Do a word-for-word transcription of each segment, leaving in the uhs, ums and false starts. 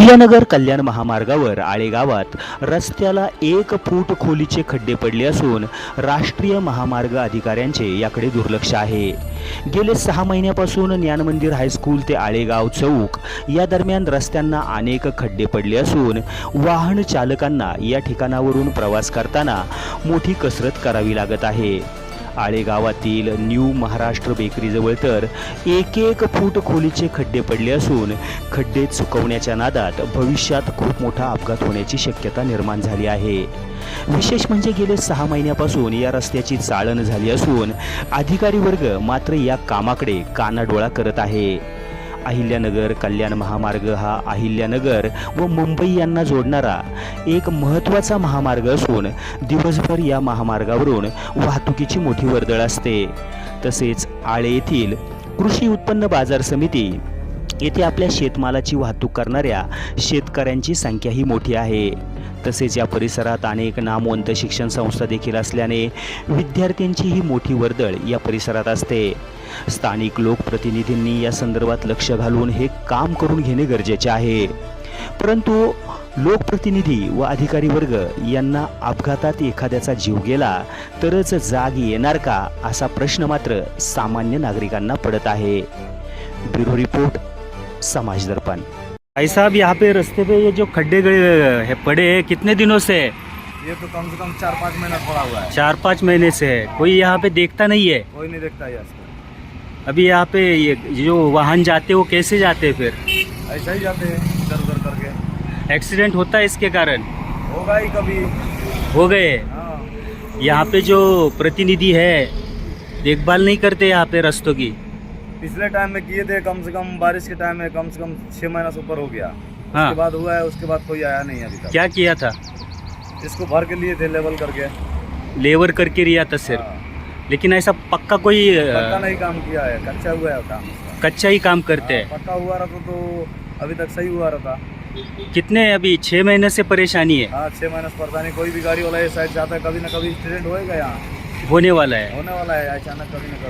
अहिल्यानगर कल्याण महामार्गावर आळे गावात रस्त्याला एक फूट खोलीचे खड्डे पडले असून राष्ट्रीय महामार्ग अधिकाऱ्यांचे याकडे दुर्लक्ष आहे। गेले सहा महिन्यापासून ज्ञानमंदिर हायस्कूल ते आळेगाव चौक या दरम्यान रस्त्यांना अनेक खड्डे पडले असून वाहन चालकांना या ठिकाणावरून प्रवास करताना मोठी कसरत करावी लागत आहे। आळे गावातील न्यू महाराष्ट्र बेकरीजवळ तर एक एक फूट खोलीचे खड्डे पडले असून खड्डे चुकवण्याच्या नादात भविष्यात खूप मोठा अपघात होण्याची शक्यता निर्माण झाली आहे। विशेष म्हणजे गेले सहा महिन्यापासून या रस्त्याची चाळण झाली असून अधिकारी वर्ग मात्र या कामाकडे कानाडोळा करत आहे। अहिल्यानगर कल्याण महामार्ग हा अहिल्यानगर व मुंबई यांना जोडणारा एक महत्त्वाचा महामार्ग असून दिवसभर या महामार्गावरून वाहतुकीची मोठी वर्दळ असते। तसेच आळे येथील कृषी उत्पन्न बाजार समिती येथे आपल्या शेतमालाची वाहतूक करणाऱ्या शेतकऱ्यांची संख्याही मोठी आहे। तसेच या परिसरात अनेक नामवंत शिक्षण संस्था देखील असल्याने विद्यार्थ्यांचीही मोठी वर्दळ या परिसरात असते। स्थानिक लोकप्रतिनिधींनी या संदर्भात लक्ष घालून हे काम करून घेणे गरजेचे आहे, परंतु लोकप्रतिनिधी व अधिकारी वर्ग यांना अपघातात एखाद्याचा जीव गेला तरच जाग येणार का असा प्रश्न मात्र सामान्य नागरिकांना पडत आहे। ब्युरो रिपोर्ट, समाज दर्पण। भाई साहब, यहाँ पे रास्ते पे ये जो खड्डे गए है पड़े हैं कितने दिनों से है? ये तो कम से कम चार पाँच महीना पड़ा हुआ है। चार पाँच महीने से है। कोई यहाँ पे देखता नहीं है? कोई नहीं देखता है इसको। अभी यहाँ पे ये जो वाहन जाते वो कैसे जाते हैं? फिर ऐसा ही जाते हैं इधर उधर करके। एक्सीडेंट होता है इसके कारण? होगा ही कभी। हो गए। हाँ। यहाँ पे जो प्रतिनिधि है देखभाल नहीं करते यहाँ पे रास्तों की? पिछले टाइम में किए थे, कम से कम बारिश के टाइम में कम से कम छह महीना से ऊपर हो गया। हाँ। उसके बाद हुआ है, उसके बाद कोई आया नहीं अभी तक। क्या किया था? इसको भर के लिए थे लेवल करके। लेबर करके रिया था सिर्फ। हाँ। लेकिन ऐसा पक्का कोई पक्का नहीं काम किया है, कच्चा हुआ है काम। कच्चा ही काम करते हैं। पक्का हुआ रहता तो अभी तक सही हुआ रहता। कितने अभी छह महीने से परेशानी है? हाँ, छह महीने से परेशानी। कोई भी गाड़ी वाला ये साइड जाता है, कभी ना कभी एक्सीडेंट होएगा, यहाँ होने वाला है। होने वाला है अचानक, कभी ना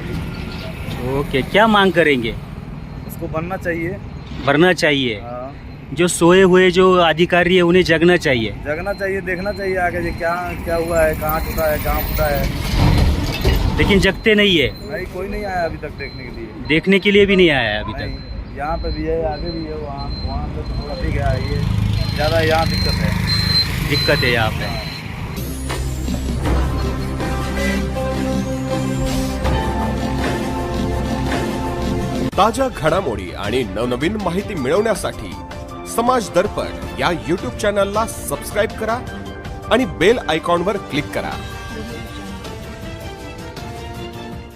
कभी। ओके, क्या मांग करेंगे? उसको बनना चाहिए। भरना चाहिए। हाँ। जो सोए हुए जो अधिकारी है उन्हें जगना चाहिए। जगना चाहिए, देखना चाहिए आगे जी क्या क्या हुआ है, कहाँ टूटा है, कहाँ फूटा है। लेकिन जगते नहीं है। नहीं, कोई नहीं आया अभी तक देखने के लिए। देखने के लिए भी नहीं आया है अभी नहीं, तक। यहाँ पे भी है, आगे भी है, वहाँ वहाँ पे तो थोड़ा ठीक है, ये ज़्यादा यहाँ दिक्कत है। दिक्कत है यहाँ पे। ताज्या घडामोडी आणि नवनवीन माहिती मिळवण्यासाठी समाज दर्पण या यूट्यूब चॅनलला सबस्क्राईब करा आणि बेल आयकॉनवर क्लिक करा।